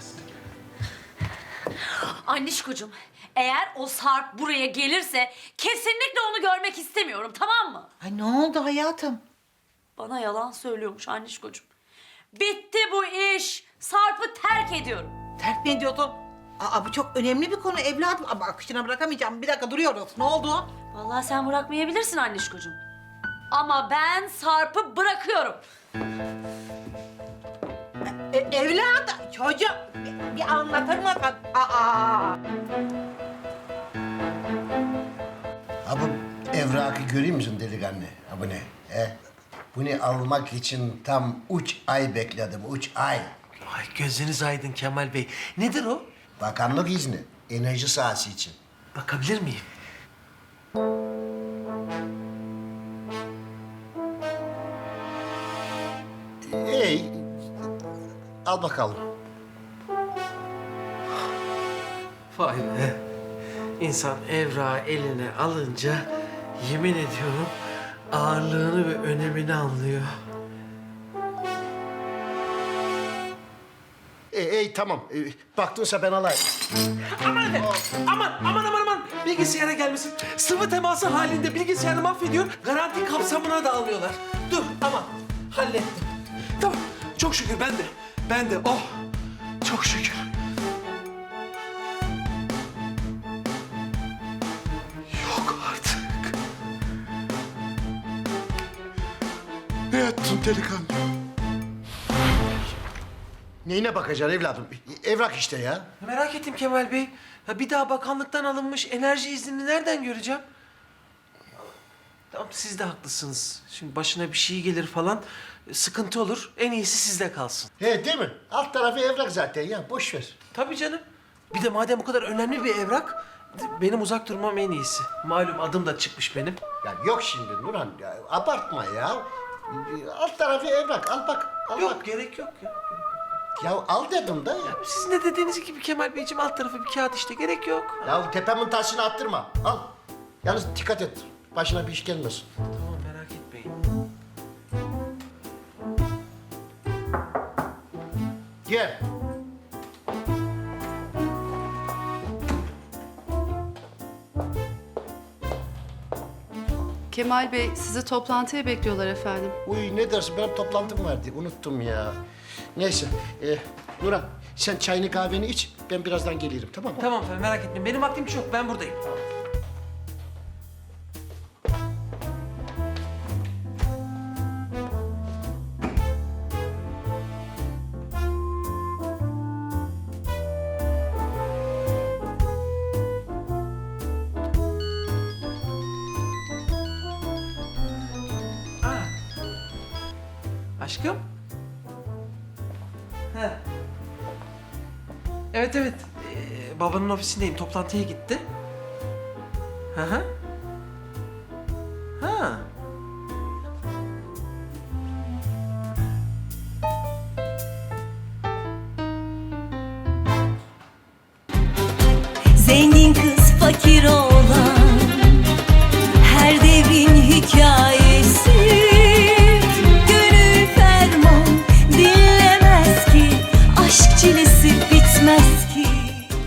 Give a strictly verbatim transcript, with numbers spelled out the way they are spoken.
Annişkocuğum, eğer o Sarp buraya gelirse kesinlikle onu görmek istemiyorum, tamam mı? Ay ne oldu hayatım? Bana yalan söylüyormuş Annişkocuğum. Bitti bu iş. Sarp'ı terk ediyorum. Terk mi ediyordun? Aa bu çok önemli bir konu evladım. Ama akışına bırakamayacağım. Bir dakika duruyoruz. Ne oldu? Vallahi sen bırakmayabilirsin Annişkocuğum. Ama ben Sarp'ı bırakıyorum. E, evladım, çocuğum bir, bir anlatır mısın? Aa. Ha bu evrakı görüyor musun delikanlı? Ha bu ne? He? Bunu almak için tam üç ay bekledim, üç ay. Ay gözünüz aydın Kemal Bey. Nedir o? Bakanlık izni, enerji sahası için. Bakabilir miyim? İyi, al bakalım. Vay be. İnsan evrağı eline alınca yemin ediyorum ağırlığını ve önemini anlıyor. İyi, iyi tamam. Ee, baktınsa ben alayım. Aman efendim. Aman, aman, aman, aman. Bilgisayara gelmesin. Sıvı teması halinde bilgisayarı mahvediyor. Garanti kapsamına da alıyorlar. Dur, aman. Hallettim. Tamam. Çok şükür ben de. Ben de. Oh. Çok şükür. Yok artık. Ne ettin delikanlı? Neyine bakacaksın evladım? Evrak işte ya. Merak ettim Kemal Bey. Ya bir daha bakanlıktan alınmış enerji iznini nereden göreceğim? Tamam siz de haklısınız. Şimdi başına bir şey gelir falan sıkıntı olur. En iyisi sizde kalsın. He değil mi? Alt tarafı evrak zaten ya. Boş ver. Tabii canım. Bir de madem bu kadar önemli bir evrak, benim uzak durmam en iyisi. Malum adım da çıkmış benim. Ya yok şimdi Nurhan. Ya, abartma ya. Alt tarafı evrak. Al bak. Al Yok bak. gerek yok ya. Ya al dedim da. Sizin de dediğiniz gibi Kemal Beyciğim alt tarafı bir kağıt işte gerek yok. Ya tepemin taşını attırma. Al. Yalnız dikkat et. Başına bir iş gelmesin. Tamam merak etmeyin. Gel. Kemal Bey, sizi toplantıya bekliyorlar efendim. Uy ne dersin benim toplantım vardı. Unuttum ya. Neyse. E, Nurhan sen çayını kahveni iç. Ben birazdan gelirim tamam mı? Tamam efendim merak etmeyin. Benim vaktim çok ben buradayım. Aa. Aşkım? He. Evet evet. Ee, babanın ofisindeyim. Toplantıya gitti. Hı hı. Ha. Zengin kız fakir ol